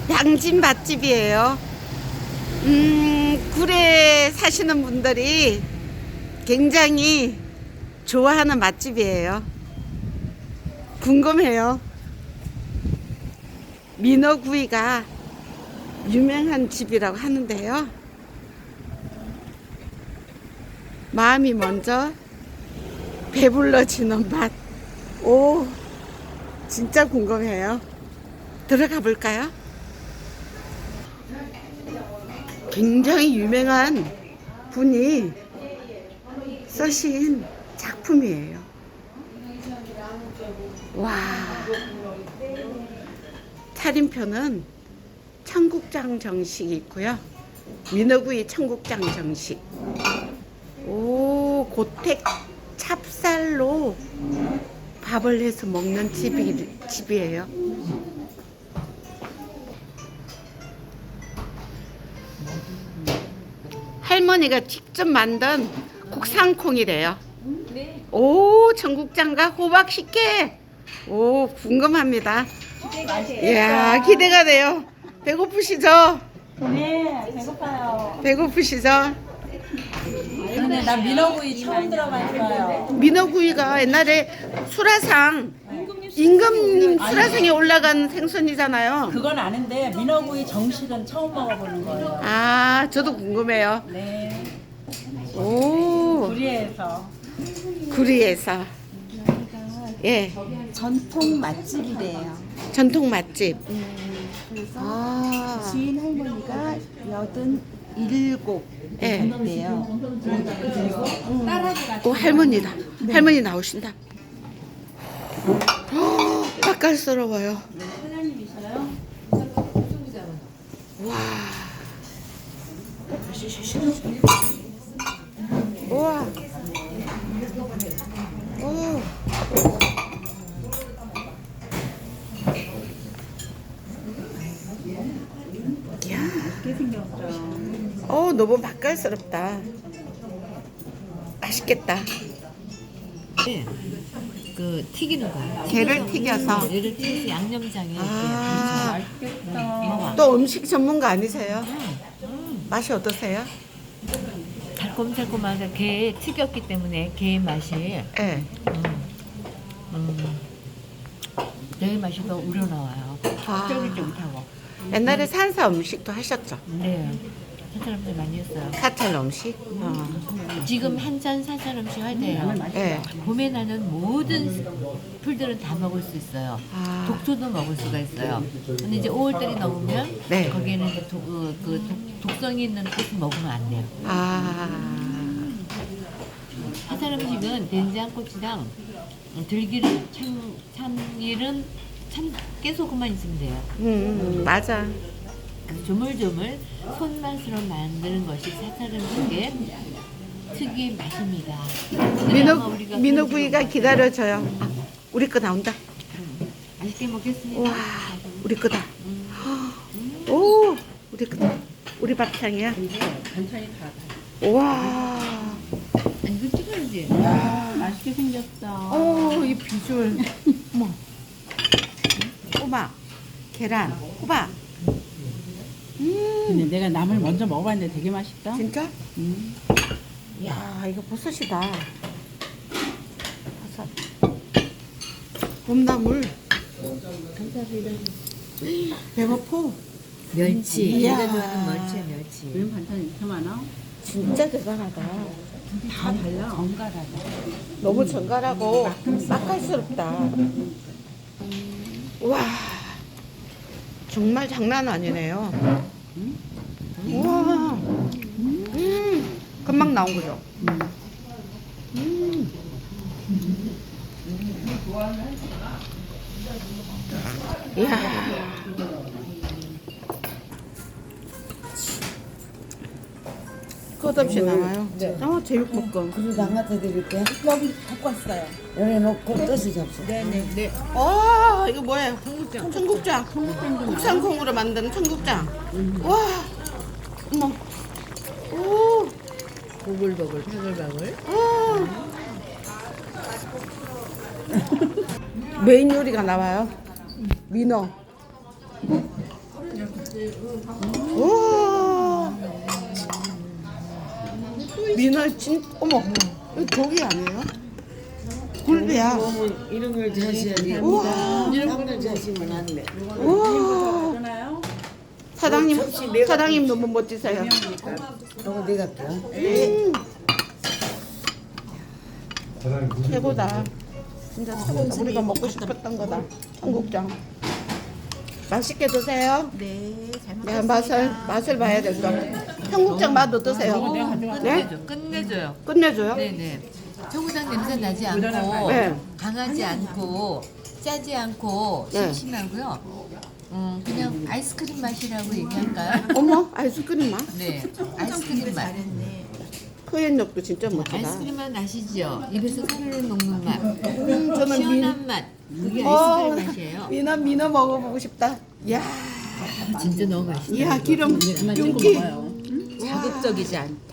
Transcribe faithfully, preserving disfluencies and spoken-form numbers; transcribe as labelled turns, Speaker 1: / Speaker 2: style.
Speaker 1: 양진 맛집이에요. 음, 굴에 사시는 분들이 굉장히 좋아하는 맛집이에요. 궁금해요. 민어구이가 유명한 집이라고 하는데요. 마음이 먼저 배불러지는 맛. 오, 진짜 궁금해요. 들어가 볼까요? 굉장히 유명한 분이 쓰신 작품이에요. 와, 차림표는 청국장 정식이 있고요. 민어구이 청국장 정식. 오, 고택 찹쌀로 밥을 해서 먹는 집이, 집이에요. 할머니가 직접 만든 국산콩이래요. 오, 청국장과 호박 식혜. 오, 궁금합니다. 이야, 기대가 돼요. 배고프시죠?
Speaker 2: 네, 배고파요.
Speaker 1: 배고프시죠?
Speaker 2: 근데 나 민어구이 처음 들어봤어요.
Speaker 1: 민어구이가 옛날에 수라상, 임금님 수라상에 올라간 생선이잖아요.
Speaker 2: 그건 아는데 민어구이 정식은 처음 먹어보는 거예요.
Speaker 1: 아, 저도 궁금해요.
Speaker 2: 네,
Speaker 1: 오,
Speaker 2: 구리에서.
Speaker 1: 구리에서. 예,
Speaker 3: 전통 맛집이래요.
Speaker 1: 전통 맛집.
Speaker 3: 그래서
Speaker 1: 아,
Speaker 3: 주인 할머니가 여든 일곱
Speaker 1: 예.
Speaker 3: 이래요.
Speaker 1: 오, 할머니다. 할머니 나오신다. 허, 맛깔스러워요. 와. 우와. 오. 이야. 어, 너무 맛깔스럽다. 맛있겠다.
Speaker 4: 그 튀기는 거야.
Speaker 1: 게를 튀겨서.
Speaker 4: 얘를 튀겨서 양념장에
Speaker 1: 아,
Speaker 4: 이렇게 먹어.
Speaker 1: 또 음식 전문가 아니세요? 맛이 어떠세요?
Speaker 4: 달콤달콤하게 게 튀겼기 때문에 게의 맛이
Speaker 1: 예.
Speaker 4: 음, 음, 내 맛이 더 우러나와요.
Speaker 1: 아.
Speaker 4: 쫄깃쫄깃하고.
Speaker 1: 옛날에 산사 음식도 하셨죠?
Speaker 4: 네. 한 사람들 많이 했어요.
Speaker 1: 사찰 음식? 어.
Speaker 4: 지금 한잔 산산 음식 할 때예요.
Speaker 1: 예.
Speaker 4: 봄에 나는 모든 풀들은 다 먹을 수 있어요.
Speaker 1: 아.
Speaker 4: 독소도 먹을 수가 있어요. 근데 이제 오월달이 넘으면
Speaker 1: 네.
Speaker 4: 거기에는 이제 독, 어, 그 독, 독성이 있는 꽃을 먹으면 안 돼요.
Speaker 1: 아.
Speaker 4: 해산 음식은 된장고추장, 들기름, 참, 참기름, 참 깨소금만 있으면 돼요.
Speaker 1: 음, 맞아.
Speaker 4: 그래서 조물조물 손맛으로 만드는 것이 사찰 음식의 특유의 맛입니다.
Speaker 1: 민어,
Speaker 4: 우리가
Speaker 1: 민어구이가 기다려져요. 아, 우리 거 나온다.
Speaker 4: 맛있게 먹겠습니다.
Speaker 1: 와, 우리 거다. 오, 우리 거다. 우리 밥상이야. 와.
Speaker 4: 아니, 이거 찍어야지.
Speaker 2: 맛있게 생겼어.
Speaker 1: 오, 이 비주얼. 어머. 호박, 계란, 호박. 음,
Speaker 2: 근데 내가 나물 먼저 먹어봤는데 되게 맛있다.
Speaker 1: 진짜?
Speaker 2: 음.
Speaker 1: 이야, 이거 버섯이다. 버섯. 봄나물. 배고파.
Speaker 4: 멸치.
Speaker 1: 이야.
Speaker 4: 내가 좋아하는 멸치, 멸치.
Speaker 2: 왜 반찬 이렇게 많아?
Speaker 1: 진짜 대단하다.
Speaker 2: 다 달라. 정갈하다.
Speaker 1: 너무 정갈하고 맛깔스럽다. 와, 정말 장난 아니네요. 우와, 음, 금방 나온 거죠. 음. 이야. 끝없이 나와요. 어, 제육볶음.
Speaker 3: 그릇 안 갖다 드릴게. 여기 갖고 왔어요. 여기 놓고 뜻이 접시.
Speaker 1: 네네. 네. 와, 이거 뭐예요? 청국장. 청국장. 국산콩으로 만든 청국장. 와, 어머. 오,
Speaker 4: 보글보글, 바글바글.
Speaker 1: 아. 메인 요리가 나와요. 민어. 오. 미나 진 어머 이거 독이 아니에요? 굴비야.
Speaker 3: 이런 걸 드셔야지.
Speaker 1: 우와.
Speaker 3: 이런 걸 드시면 안 돼.
Speaker 1: 우와.
Speaker 2: 그러나요?
Speaker 1: 사장님
Speaker 3: 접시 내가
Speaker 1: 사장님 너무 멋지세요.
Speaker 3: 이거 내가 할게요.
Speaker 1: 음. 최고다. 진짜 최고다. 우리가 먹고 싶었던 거다. 청국장. 맛있게 드세요.
Speaker 4: 네, 잘
Speaker 1: 네,
Speaker 4: 먹겠습니다.
Speaker 1: 맛을 맛을 봐야 될 거. 청국장 맛 어떠세요? 네?
Speaker 4: 끝내줘, 끝내줘요.
Speaker 1: 끝내줘요?
Speaker 4: 네네. 청국장 냄새 나지 않고
Speaker 1: 네.
Speaker 4: 강하지 않고 짜지 않고
Speaker 1: 네.
Speaker 4: 심심하고요. 음, 그냥 아이스크림 맛이라고 얘기할까요?
Speaker 1: 어머 아이스크림 맛.
Speaker 4: 네, 아이스크림 맛.
Speaker 1: 표현력도 진짜 멋지다.
Speaker 4: 아이스크림 맛 나시죠? 입에서 사르르 녹는 맛.
Speaker 1: 음, 저는 미,
Speaker 4: 시원한 맛. 그게
Speaker 1: 어,
Speaker 4: 아이스크림 맛이에요.
Speaker 1: 미나 미나 먹어보고 싶다. 야,
Speaker 4: 진짜 너무 맛있어요.
Speaker 1: 야 기름 윤기.
Speaker 4: 자극적이지 않고.